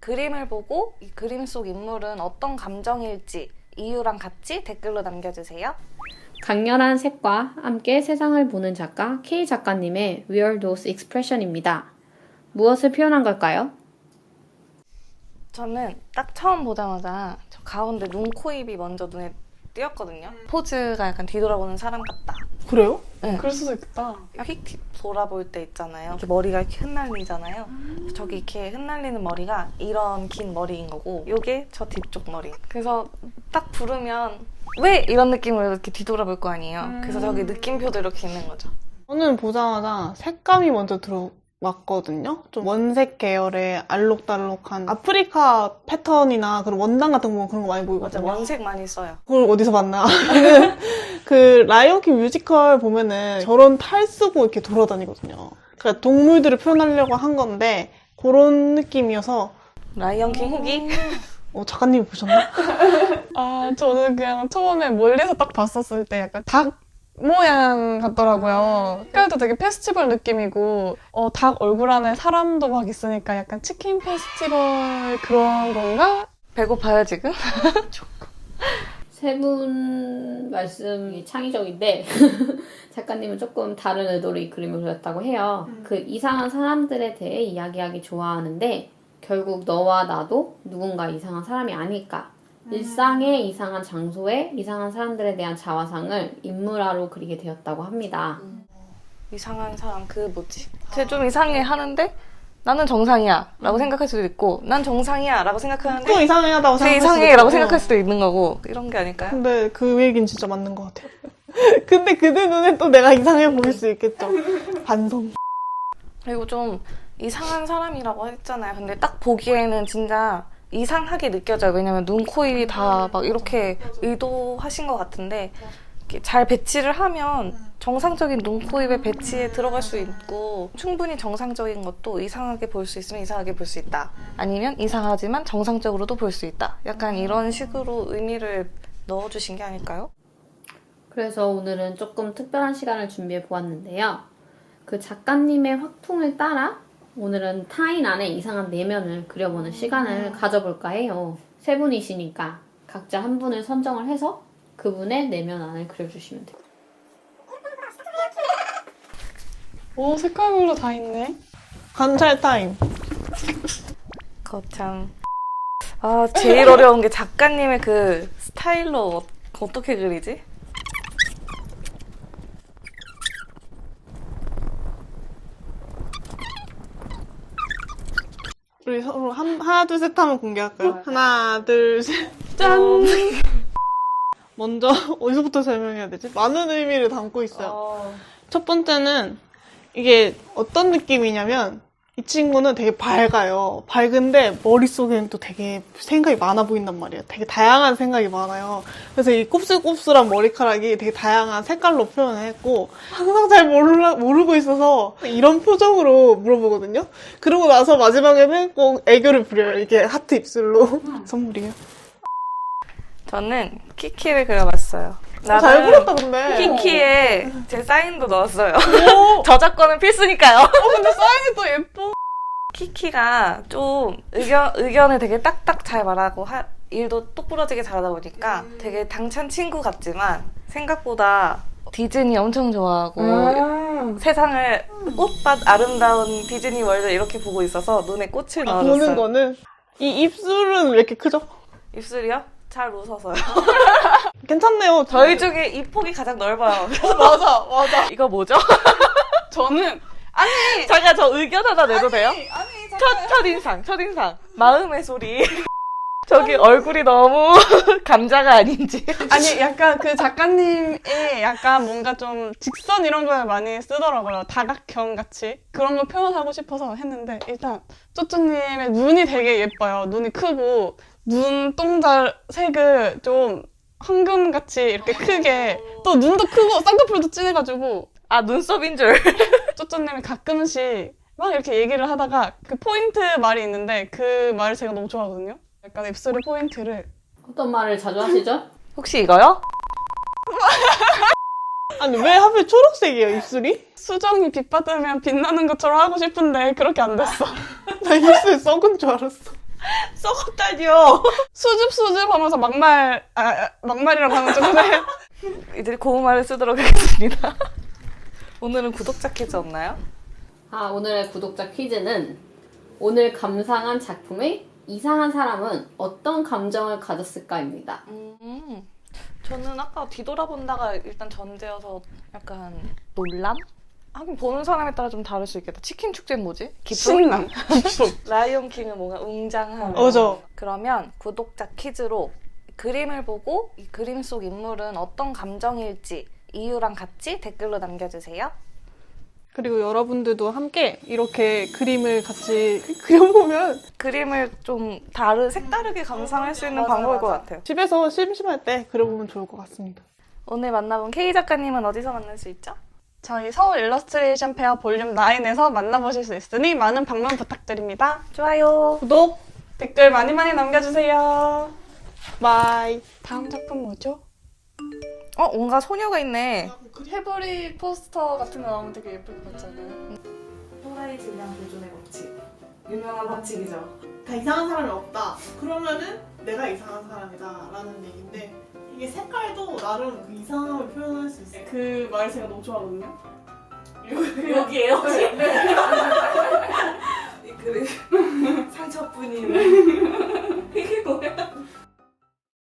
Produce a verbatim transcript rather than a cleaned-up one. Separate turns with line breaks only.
그림을 보고 이 그림 속 인물은 어떤 감정일지 이유랑 같이 댓글로 남겨주세요.
강렬한 색과 함께 세상을 보는 작가 K 작가님의 Weird Those Expression입니다. 무엇을 표현한 걸까요?
저는 딱 처음 보자마자 저 가운데 눈, 코, 입이 먼저 눈에 띄었거든요. 포즈가 약간 뒤돌아보는 사람 같다.
그래요?
네.
그럴 수도 있겠다.
휙 돌아볼 때 있잖아요. 이렇게 머리가 이렇게 흩날리잖아요. 저기 이렇게 흩날리는 머리가 이런 긴 머리인 거고 요게 저 뒤쪽 머리. 그래서 딱 부르면 왜 이런 느낌으로 이렇게 뒤돌아볼 거 아니에요.
음.
그래서 저기 느낌표도 이렇게 있는 거죠.
저는 보자마자 색감이 먼저 들어왔거든요. 좀 원색 계열의 알록달록한 아프리카 패턴이나 그런 원단 같은 거 그런 거 많이
맞아,
보이거든요.
원색 많이 써요.
그걸 어디서 봤나? 그 라이온킹 뮤지컬 보면은 저런 탈 쓰고 이렇게 돌아다니거든요. 그러니까 동물들을 표현하려고 한 건데 그런 느낌이어서.
라이언킹 후기?
어, 작가님이 보셨나?
아, 저는 그냥 처음에 멀리서 딱 봤었을 때 약간 닭 모양 같더라고요. 색깔도 되게 페스티벌 느낌이고, 어, 닭 얼굴 안에 사람도 막 있으니까 약간 치킨 페스티벌 그런 건가?
배고파요 지금?
세 분 말씀이 창의적인데 작가님은 조금 다른 의도로 이 그림을 그렸다고 해요.
음.
그 이상한 사람들에 대해 이야기하기 좋아하는데 결국 너와 나도 누군가 이상한 사람이 아닐까.
음.
일상의 이상한 장소에 이상한 사람들에 대한 자화상을 인물화로 그리게 되었다고 합니다.
이상한 사람 그 뭐지? 쟤 좀 이상해 하는데 나는 정상이야 라고 생각할 수도 있고 난 정상이야 라고 생각하는데
또 이상하다고
쟤
생각할
이상해
수도
라고
있고.
생각할 수도 있는 거고 이런 게 아닐까요?
근데 그 얘기는 진짜 맞는 것 같아요. 근데 그들 눈에 또 내가 이상해 보일 수 있겠죠. 반성.
그리고 좀 이상한 사람이라고 했잖아요. 근데 딱 보기에는 진짜 이상하게 느껴져요. 왜냐면 눈, 코, 입이 다 막 이렇게 의도하신 것 같은데 이렇게 잘 배치를 하면 정상적인 눈, 코, 입의 배치에 들어갈 수 있고 충분히 정상적인 것도 이상하게 볼 수 있으면 이상하게 볼 수 있다. 아니면 이상하지만 정상적으로도 볼 수 있다. 약간 이런 식으로 의미를 넣어주신 게 아닐까요?
그래서 오늘은 조금 특별한 시간을 준비해 보았는데요. 그 작가님의 확통을 따라 오늘은 타인 안에 이상한 내면을 그려보는 시간을 가져볼까 해요. 세 분이시니까 각자 한 분을 선정을 해서 그분의 내면 안을 그려주시면 돼요.
오, 색깔별로 다 있네.
관찰 타임.
거참. 아, 제일 어려운 게 작가님의 그 스타일로 어, 어떻게 그리지?
우리 서로 한, 하나, 둘, 셋 하면 공개할까요? 하나, 둘, 셋.
짠!
먼저 어디서부터 설명해야 되지? 많은 의미를 담고 있어요.
어...
첫 번째는 이게 어떤 느낌이냐면 이 친구는 되게 밝아요. 밝은데 머릿속에는 또 되게 생각이 많아 보인단 말이에요. 되게 다양한 생각이 많아요. 그래서 이 곱슬곱슬한 머리카락이 되게 다양한 색깔로 표현을 했고 항상 잘 몰라, 모르고 있어서 이런 표정으로 물어보거든요. 그러고 나서 마지막에는 꼭 애교를 부려요. 이게 하트 입술로. 선물이에요.
저는 키키를 그려봤어요.
어, 잘 그렸다 근데.
키키에 제 사인도 넣었어요. 저작권은 필수니까요.
어, 근데 사인이 또 예뻐.
키키가 좀 의견, 의견을 되게 딱딱 잘 말하고 하, 일도 똑부러지게 잘하다 보니까 되게 당찬 친구 같지만 생각보다 디즈니 엄청 좋아하고
음.
세상을 꽃밭 아름다운 디즈니 월드 이렇게 보고 있어서 눈에 꽃을
아,
넣어줬어요.
보는 거는 이 입술은 왜 이렇게 크죠?
입술이요? 잘 웃어서요.
괜찮네요.
저희 중에 입 폭이 가장 넓어요.
맞아, 맞아.
이거 뭐죠?
저는
잠깐 저 의견 하나 내도 돼요?
아니,
첫, 첫인상, 첫인상. 마음의 소리. 저기 얼굴이 너무 감자가 아닌지.
아니 약간 그 작가님이 약간 뭔가 좀 직선 이런 걸 많이 쓰더라고요. 다각형 같이 그런 걸 표현하고 싶어서 했는데 일단 쪼쪼님의 눈이 되게 예뻐요. 눈이 크고 눈동자 색을 좀 황금같이 이렇게 크게 또 눈도 크고 쌍꺼풀도 진해가지고
아, 눈썹인 줄.
쪼쪼님이 가끔씩 막 이렇게 얘기를 하다가 그 포인트 말이 있는데 그 말을 제가 너무 좋아하거든요. 약간 입술의 포인트를
어떤 말을 자주 하시죠?
혹시 이거요?
아니 왜 하필 초록색이에요 입술이?
수정이 빛 받으면 빛나는 것처럼 하고 싶은데 그렇게 안 됐어.
나 입술 썩은 줄 알았어. 썩었다니요.
수줍 수줍 하면서 막말 아, 아, 막말이라고 하면 좀 그래요.
이제 고운말을 쓰도록 하겠습니다. 오늘은 구독자 퀴즈 없나요?
아, 오늘의 구독자 퀴즈는 오늘 감상한 작품의 이상한 사람은 어떤 감정을 가졌을까입니다.
음, 저는 아까 뒤돌아본다가 일단 전제여서 약간 놀람? 하긴 보는 사람에 따라 좀 다를 수 있겠다. 치킨 축제는 뭐지? 기쁨?
신남.
라이온 킹은 뭔가 웅장함.
맞아.
그러면 구독자 퀴즈로 그림을 보고 이 그림 속 인물은 어떤 감정일지 이유랑 같이 댓글로 남겨주세요.
그리고 여러분들도 함께 이렇게 그림을 같이 그려보면
그림을 좀 다르, 색다르게 감상할 수 있는 방법일 것 같아요.
집에서 심심할 때 그려보면 좋을 것 같습니다.
오늘 만나본 K 작가님은 어디서 만날 수 있죠?
저희 서울 일러스트레이션 페어 볼륨 나인에서 만나보실 수 있으니 많은 방문 부탁드립니다.
좋아요.
구독,
댓글 많이 많이 남겨주세요.
바이.
다음 작품 뭐죠?
어, 뭔가 소녀가 있네.
해버리 포스터 같은 거 나오면 되게 예쁠 것 같잖아요.
소라의 질량 보존의 법칙. 유명한 법칙이죠.
다 이상한 사람이 없다. 그러면은 내가 이상한 사람이다 라는 얘기인데 이게 색깔도 나름 그 이상함을 표현할 수 있어요.
그 말 제가 너무 좋아하거든요.
여기에요? 혹시? 이 그림 상처뿐인 이게 뭐야?